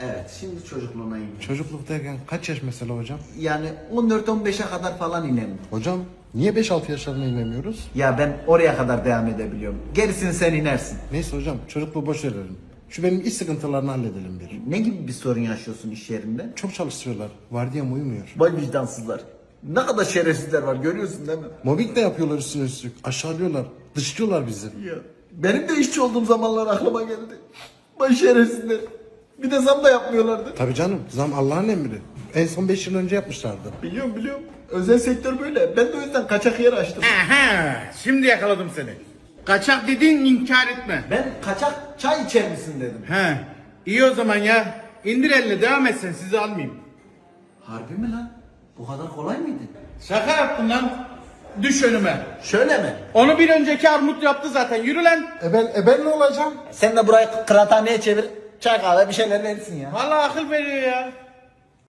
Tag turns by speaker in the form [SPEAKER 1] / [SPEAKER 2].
[SPEAKER 1] Evet, şimdi çocukluğuna iniyor.
[SPEAKER 2] Çocukluk derken kaç yaş mesela hocam?
[SPEAKER 1] Yani 14-15'e kadar falan inelim.
[SPEAKER 2] Hocam niye 5-6 yaşlarına inemiyoruz?
[SPEAKER 1] Ya ben oraya kadar devam edebiliyorum. Gerisini sen inersin.
[SPEAKER 2] Neyse hocam çocukluğu boş verelim. Şu benim iş sıkıntılarını halledelim bir.
[SPEAKER 1] Ne gibi bir sorun yaşıyorsun iş yerinde?
[SPEAKER 2] Çok çalıştırıyorlar. Vardiyam uyumuyor.
[SPEAKER 1] Vay vicdansızlar. Ne kadar şerefsizler var görüyorsun değil mi?
[SPEAKER 2] Mobbing de yapıyorlar üstüne üstlük. Aşağılıyorlar. Dışlıyorlar bizi.
[SPEAKER 1] Ya benim de işçi olduğum zamanlar aklıma geldi. Vay şerefsizler. Bir de zam da yapmıyorlardı.
[SPEAKER 2] Tabii canım zam Allah'ın emri. En son 5 yıl önce yapmışlardı.
[SPEAKER 1] Biliyorum. Özel sektör böyle. Ben de o yüzden kaçak yer açtım.
[SPEAKER 3] Aha, şimdi yakaladım seni. Kaçak dediğin inkar etme.
[SPEAKER 1] Ben kaçak çay içer misin dedim.
[SPEAKER 3] He, iyi o zaman ya. İndir elini devam et sen, sizi almayayım.
[SPEAKER 1] Harbi mi lan? Bu kadar kolay mıydı?
[SPEAKER 3] Şaka yaptın lan. Düş önüme.
[SPEAKER 1] Şöyle mi?
[SPEAKER 3] Onu bir önceki armut yaptı zaten. Yürü lan.
[SPEAKER 2] Ben ne olacağım?
[SPEAKER 1] Sen de burayı kıraathaneye çevir. Çay kahve bir şeyler verirsin ya.
[SPEAKER 3] Vallahi akıl veriyor ya.